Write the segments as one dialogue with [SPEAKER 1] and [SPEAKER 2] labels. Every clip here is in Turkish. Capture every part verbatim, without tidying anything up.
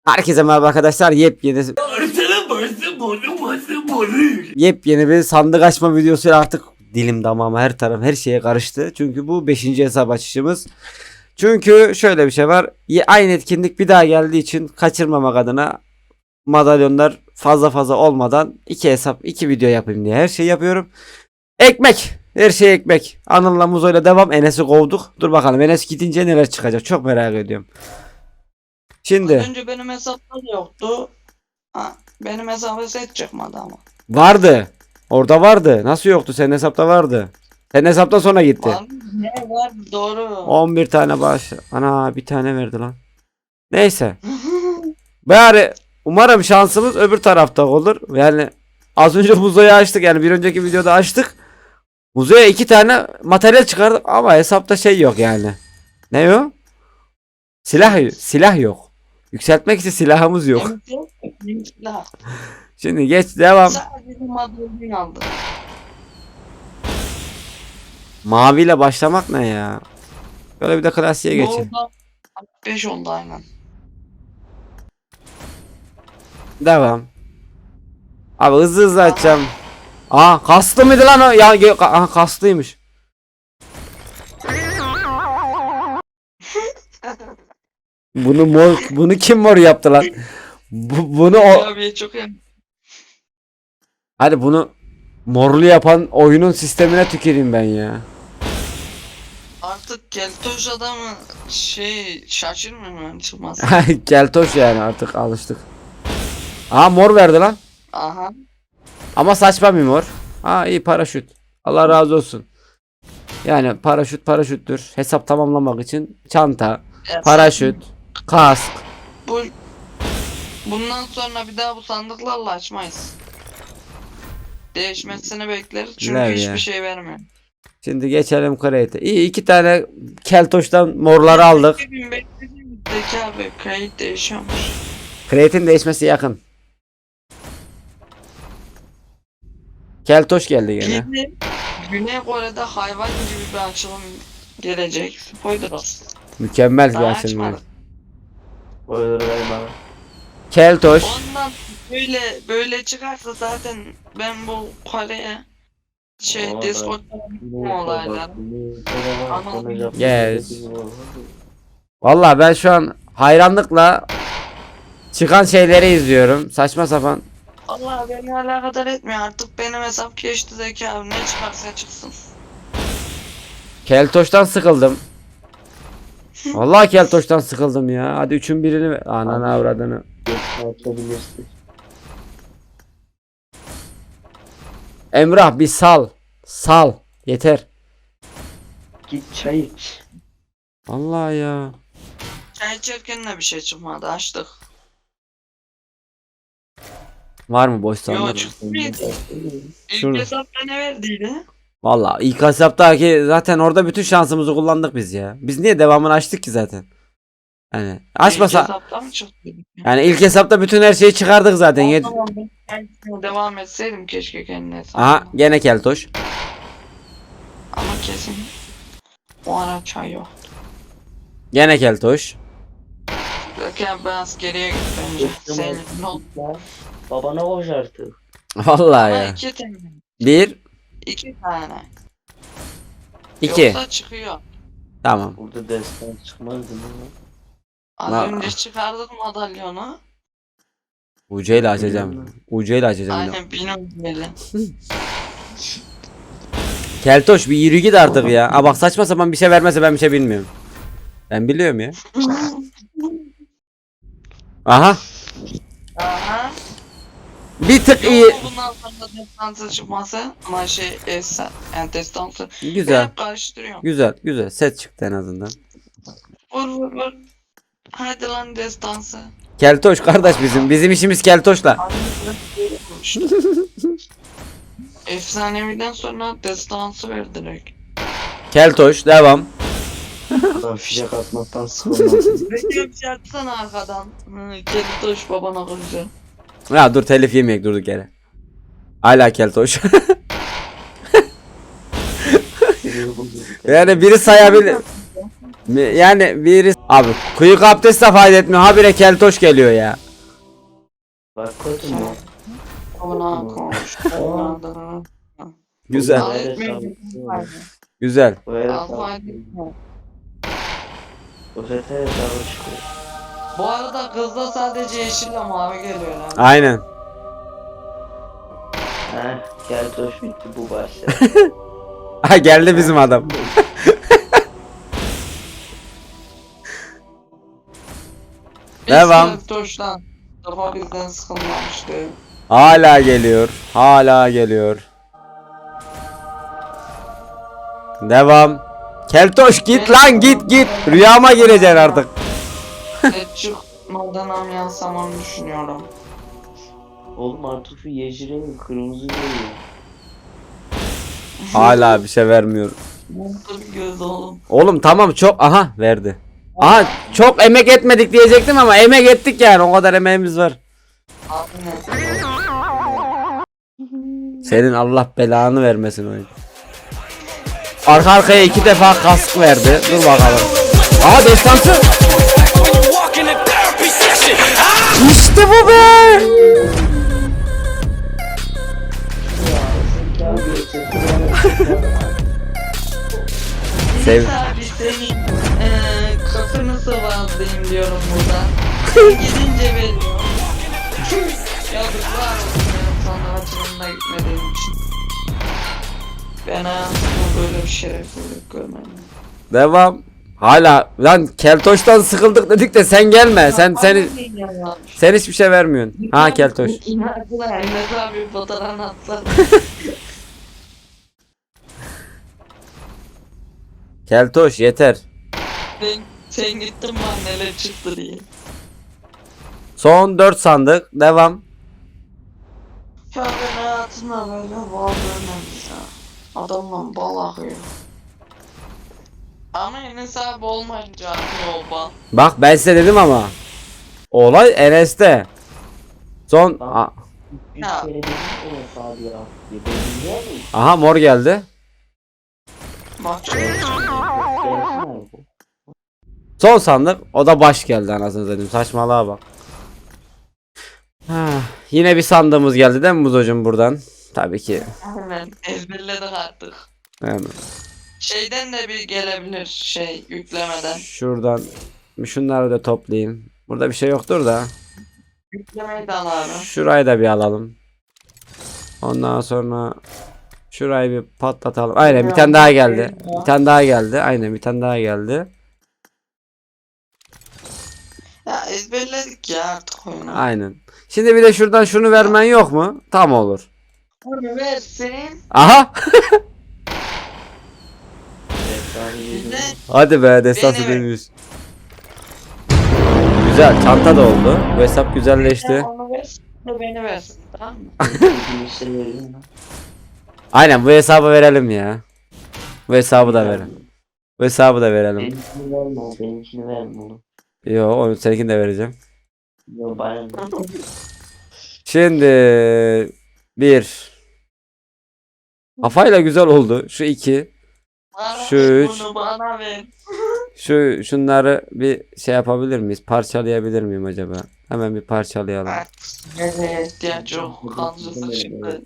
[SPEAKER 1] Herkese merhaba arkadaşlar. Yepyeni Yepyeni bir sandık açma videosuyla artık dilim damağım her taraf her şeye karıştı. Çünkü bu beşinci hesap açışımız. Çünkü şöyle bir şey var. Aynı etkinlik bir daha geldiği için kaçırmamak adına madalyonlar fazla fazla olmadan iki hesap iki video yapayım diye her şeyi yapıyorum. Ekmek. Her şey ekmek. Anıl'la Muzo'yla devam. Enes'i kovduk. Dur bakalım Enes gidince neler çıkacak. Çok merak ediyorum. Şimdi.
[SPEAKER 2] Az önce benim hesapta da yoktu. Ha, benim hesabı set çıkmadı ama.
[SPEAKER 1] Vardı. Orada vardı. Nasıl yoktu? Senin hesapta vardı. Senin hesaptan sonra gitti.
[SPEAKER 2] Var mı? Ne var? Doğru.
[SPEAKER 1] on bir tane baş. Ana bir tane verdi lan. Neyse. Bari umarım şansımız öbür tarafta olur. Yani az önce Muzo'yu açtık. Yani bir önceki videoda açtık. Muzo'ya iki tane materyal çıkardık ama hesapta şey yok yani. Ne o? Silah silah yok. Yükseltmek için silahımız yok.
[SPEAKER 2] Silah.
[SPEAKER 1] Şimdi geç devam.
[SPEAKER 2] Sadece madalyon aldı.
[SPEAKER 1] Maviyle başlamak ne ya? Böyle bir de klasiğe geçin.
[SPEAKER 2] beş oldu aynen.
[SPEAKER 1] Devam. Abi hızlı hızlı açacağım. Aa kaslı mıydı lan o? Ya ge- aha kaslıymış. Bunu mor bunu kim mor yaptı lan? Bu, bunu o
[SPEAKER 2] Abi çok iyi.
[SPEAKER 1] hadi bunu morlu yapan oyunun sistemine tüküreyim ben ya.
[SPEAKER 2] Artık keltoş adamı şey şaşırmıyor mu çıkmaz?
[SPEAKER 1] Keltoş yani artık alıştık. Aa mor verdi lan.
[SPEAKER 2] Aha.
[SPEAKER 1] Ama saçma bir mor. Aa iyi paraşüt. Allah razı olsun. Yani paraşüt paraşüttür. Hesap tamamlamak için çanta,
[SPEAKER 2] Ya
[SPEAKER 1] paraşüt, kask.
[SPEAKER 2] Bu bundan sonra bir daha bu sandıklarla açmayız. Değişmesini bekleriz çünkü
[SPEAKER 1] Ne
[SPEAKER 2] hiçbir
[SPEAKER 1] ya?
[SPEAKER 2] şey vermiyor.
[SPEAKER 1] Şimdi geçelim Crate'e. İyi iki tane keltoştan morları aldık.
[SPEAKER 2] iki bin beklediğimizdeki abi kayıt değişiyormuş.
[SPEAKER 1] Crate'in değişmesi yakın. Keltoş geldi gene.
[SPEAKER 2] Şimdi Güney Kore'de hayvan gibi bir açılım gelecek. Spoiler olsun.
[SPEAKER 1] Mükemmel bir
[SPEAKER 2] Daha
[SPEAKER 1] açılım.
[SPEAKER 2] açmadık.
[SPEAKER 1] Keltoş.
[SPEAKER 2] Ondan böyle böyle çıkarsa zaten ben bu Kore'ye şey Discord'da bu olaylar.
[SPEAKER 1] Yes. Vallahi ben şu an hayranlıkla çıkan şeyleri izliyorum. Saçma sapan.
[SPEAKER 2] Allah beni alakadar etmiyor artık benim hesap geçti zeki abi ne çıkarsa çıksın.
[SPEAKER 1] Keltoş'tan sıkıldım. Vallahi Keltoş'tan sıkıldım ya. Hadi üçün birini ver. Ananı avradını. Emrah bir sal. Sal. Yeter.
[SPEAKER 3] Git çay iç.
[SPEAKER 1] Vallahi ya.
[SPEAKER 2] Çay içerken de bir şey çıkmadı açtık.
[SPEAKER 1] Var mı boş
[SPEAKER 2] Yo
[SPEAKER 1] sandık?
[SPEAKER 2] çıktı mıydı? İlk
[SPEAKER 1] Şurada.
[SPEAKER 2] hesapta ne verdiydi?
[SPEAKER 1] Vallahi ilk hesaptaki zaten orada bütün şansımızı kullandık biz ya. Biz niye devamını açtık ki zaten? Hani
[SPEAKER 2] İlk
[SPEAKER 1] açmasa
[SPEAKER 2] hesapta mı çıktı?
[SPEAKER 1] yani ilk hesapta bütün her şeyi çıkardık zaten.
[SPEAKER 2] O
[SPEAKER 1] Yed-
[SPEAKER 2] zaman ben devam etseydim keşke kendi hesabıma.
[SPEAKER 1] Aha gene Keltoş.
[SPEAKER 2] Ama kesin o ara çay yok.
[SPEAKER 1] Gene Keltoş.
[SPEAKER 2] Zaten biraz geriye git bence. Senin ne oldu?
[SPEAKER 3] Babana koş artık.
[SPEAKER 1] Vallahi
[SPEAKER 2] Ama
[SPEAKER 1] ya.
[SPEAKER 2] iki tane.
[SPEAKER 1] Bir,
[SPEAKER 2] İki tane.
[SPEAKER 1] iki.
[SPEAKER 2] Yoksa çıkıyor.
[SPEAKER 1] Tamam.
[SPEAKER 3] Burada destan çıkmazdı mı?
[SPEAKER 2] Az
[SPEAKER 1] Va-
[SPEAKER 2] önce çıkardık madalyonu.
[SPEAKER 1] Ucu ile açacağım. Ucu ile açacağım. yine.
[SPEAKER 2] Aynen benim böyle.
[SPEAKER 1] Keltoş bir yürü git artık ya. Aa bak saçma sapan bir şey vermezse ben bir şey bilmiyorum. Ben biliyorum ya. Aha.
[SPEAKER 2] Aha.
[SPEAKER 1] Bir tık iyi.
[SPEAKER 2] Yok bundan sonra destansı çıkması ama şey esen yani destansı. Ben
[SPEAKER 1] Güzel.
[SPEAKER 2] hep karıştırıyorum.
[SPEAKER 1] Güzel. Güzel. Set çıktı en azından.
[SPEAKER 2] Vur vur vur. Hadi lan destansı.
[SPEAKER 1] Keltoş kardeş bizim. Bizim işimiz Keltoş'la.
[SPEAKER 2] Efsaneviden sonra destansı ver direkt.
[SPEAKER 1] Keltoş devam.
[SPEAKER 3] Adam fişek atmaktan sıkılmasın.
[SPEAKER 2] Peki bir şey atsana arkadan. Hı, Keltoş babana konuşuyor.
[SPEAKER 1] Ya dur telif yemeyek durduk yere. Hala Keltoş. Yani biri sayabilir. Yani biri Abi kuyuk abdest de fayda etmiyor. Habire keltoş geliyor ya.
[SPEAKER 3] Bak kötü mü?
[SPEAKER 2] Ona konuş.
[SPEAKER 1] Güzel.
[SPEAKER 2] Al etmiyor.
[SPEAKER 1] Güzel.
[SPEAKER 3] Bu herif
[SPEAKER 2] Al fayda etmiyor.
[SPEAKER 3] bu sefer hesabı çıkıyor.
[SPEAKER 2] Bu arada kızda sadece yeşille mavi geliyor lan.
[SPEAKER 1] Aynen.
[SPEAKER 3] Heh gel hoş bitti bu başladı.
[SPEAKER 1] Ha geldi bizim adam. Devam.
[SPEAKER 2] Biz Toş lan. Defa bizden sıkılmamıştı.
[SPEAKER 1] Hala geliyor. Hala geliyor. Devam. Keltoş git lan git git. Rüyama gireceksin artık.
[SPEAKER 2] Et çıkmadan amyansam onu düşünüyorum.
[SPEAKER 3] Oğlum artık şu yeşilin kırmızı geliyor.
[SPEAKER 1] Hala bir şey vermiyor.
[SPEAKER 2] Nasıl bir göz oğlum.
[SPEAKER 1] Oğlum tamam çok aha verdi. Aha çok emek etmedik diyecektim ama emek ettik yani o kadar emeğimiz var.
[SPEAKER 2] Abi ne?
[SPEAKER 1] Senin Allah belanı vermesin oyun. Arka arkaya iki defa kask verdi. Dur bakalım. Aha destansı. İşte bu be. Sev.
[SPEAKER 2] Neyse abi senin eee kafanı sıvazlayayım diyorum buradan. Gidince veriyorum. Yazıklar olsun benim sana açılımına gitmediğim için. Ben hayatımda böyle bir şerefsizlik görmedim.
[SPEAKER 1] Devam. Hala lan Keltoş'tan sıkıldık dedik de sen gelme. Sen seni sen hiçbir şey vermiyorsun. Ha Keltoş.
[SPEAKER 2] İnandılar. Enes abi fotoğrafını atlar.
[SPEAKER 1] Keltoş yeter.
[SPEAKER 2] Sen, sen gittin bana neler çıktı diye.
[SPEAKER 1] Son dört sandık. Devam.
[SPEAKER 2] Ya ben hayatımda böyle bal görmedim ya. Adamla bal akıyor. Ama Enes abi olmayınca akıyor o bal.
[SPEAKER 1] Bak ben size dedim ama. Olay Enes'te. Son A-
[SPEAKER 3] Üç
[SPEAKER 2] Ya.
[SPEAKER 3] kere dedim o hesabı ya. Ya ben biliyor muyum?
[SPEAKER 1] aha mor geldi.
[SPEAKER 2] Bak şöyle.
[SPEAKER 3] Gelsin abi bu.
[SPEAKER 1] Son sandık. O da baş geldi anasını satayım. Saçmalığa bak. Ha, yine bir sandığımız geldi değil mi Muzocuğum buradan? Tabii ki.
[SPEAKER 2] Hemen ezberledik artık.
[SPEAKER 1] Yani
[SPEAKER 2] Şeyden de bir gelebilir şey yüklemeden.
[SPEAKER 1] şuradan şunları da toplayayım. Burada bir şey yoktur da.
[SPEAKER 2] Yüklemeyi de al abi.
[SPEAKER 1] Şurayı da bir alalım. Ondan sonra şurayı bir patlatalım. Aynen bir tane daha geldi. Bir tane daha geldi. Aynen bir tane daha geldi.
[SPEAKER 2] Ya ezberledik ya artık oyunu.
[SPEAKER 1] Aynen. Şimdi bir de şuradan şunu vermen yok mu? Tam olur.
[SPEAKER 2] Onu versin.
[SPEAKER 1] Aha.
[SPEAKER 3] Hesabı yedim.
[SPEAKER 2] Bize
[SPEAKER 1] Hadi be destansı
[SPEAKER 2] Beni ver.
[SPEAKER 1] dönüyoruz. Güzel çanta da oldu. Bu hesap güzelleşti.
[SPEAKER 2] onu versin de beni versin tamam mı?
[SPEAKER 3] Bir şey vereyim mi?
[SPEAKER 1] Aynen bu hesabı verelim ya. Bu hesabı da verelim. Bu hesabı da verelim.
[SPEAKER 3] Benimkini verme o, benimkini verme oğlum.
[SPEAKER 1] Yo onu seninkini de vereceğim.
[SPEAKER 3] Yo bana ne?
[SPEAKER 1] Şimdi bir. Kafayla güzel oldu. Şu iki.
[SPEAKER 2] Bana
[SPEAKER 1] Şu
[SPEAKER 2] ver,
[SPEAKER 1] üç.
[SPEAKER 2] Bunu bana ver.
[SPEAKER 1] Şu şunları bir şey yapabilir miyiz? Parçalayabilir miyim acaba? Hemen bir parçalayalım.
[SPEAKER 2] Evet ihtiyaç yok. Kalıcısı çıktı.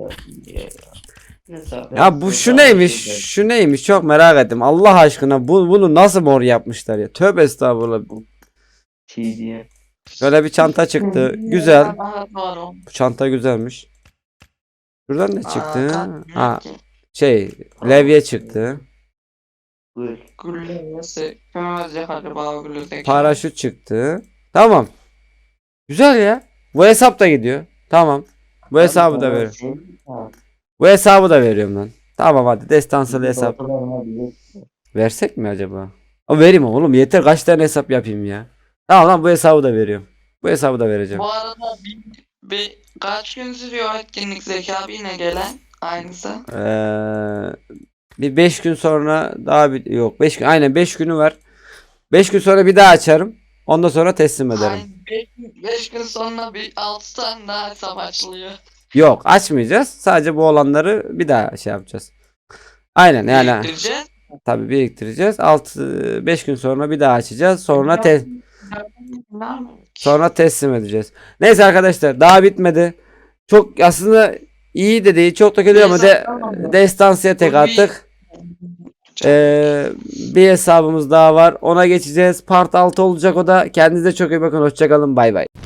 [SPEAKER 1] Ya bu şu neymiş? Şu neymiş? Çok merak ettim. Allah aşkına bu bunu nasıl mor yapmışlar ya? Tövbe estağfurullah.
[SPEAKER 3] Şey diye.
[SPEAKER 1] Böyle bir çanta çıktı. Güzel.
[SPEAKER 2] Aha, doğru.
[SPEAKER 1] Bu çanta güzelmiş. Şuradan ne çıktı?
[SPEAKER 2] Aa,
[SPEAKER 1] Ha,
[SPEAKER 2] ki.
[SPEAKER 1] şey, levye çıktı.
[SPEAKER 3] Buyur.
[SPEAKER 2] Güllesi. Kömezce galiba güllesi.
[SPEAKER 1] Paraşüt çıktı. Tamam. Güzel ya. Bu hesap da gidiyor. Tamam. Bu hesabı da veriyorum. Bu hesabı da veriyorum lan. Tamam hadi destansılı hesap. Versek mi acaba? O vereyim oğlum yeter kaç tane hesap yapayım ya. Tamam lan bu hesabı da veriyorum. Bu hesabı da vereceğim.
[SPEAKER 2] Bu arada bir, bir kaç gün sürüyor etkinlik Zeki abi yine gelen aynısı.
[SPEAKER 1] Ee, bir beş gün sonra daha bir yok beş gün aynen beş günü var. beş gün sonra bir daha açarım. Ondan sonra teslim ederim.
[SPEAKER 2] beş gün sonra bir altı tane daha hesap açılıyor.
[SPEAKER 1] Yok açmayacağız. Sadece bu olanları bir daha şey yapacağız. Aynen yani.
[SPEAKER 2] Biriktireceğiz.
[SPEAKER 1] Tabii biriktireceğiz. altı beş gün sonra bir daha açacağız. Sonra te
[SPEAKER 2] Ne yapayım ki?
[SPEAKER 1] sonra teslim edeceğiz. Neyse arkadaşlar daha bitmedi. Çok aslında iyi de değil, çok da kötü ama de, destansıya tek
[SPEAKER 2] Bu bir-
[SPEAKER 1] attık. Ee, bir hesabımız daha var. Ona geçeceğiz. Part altı olacak o da. Kendinize çok iyi bakın. Hoşçakalın. Bay bay.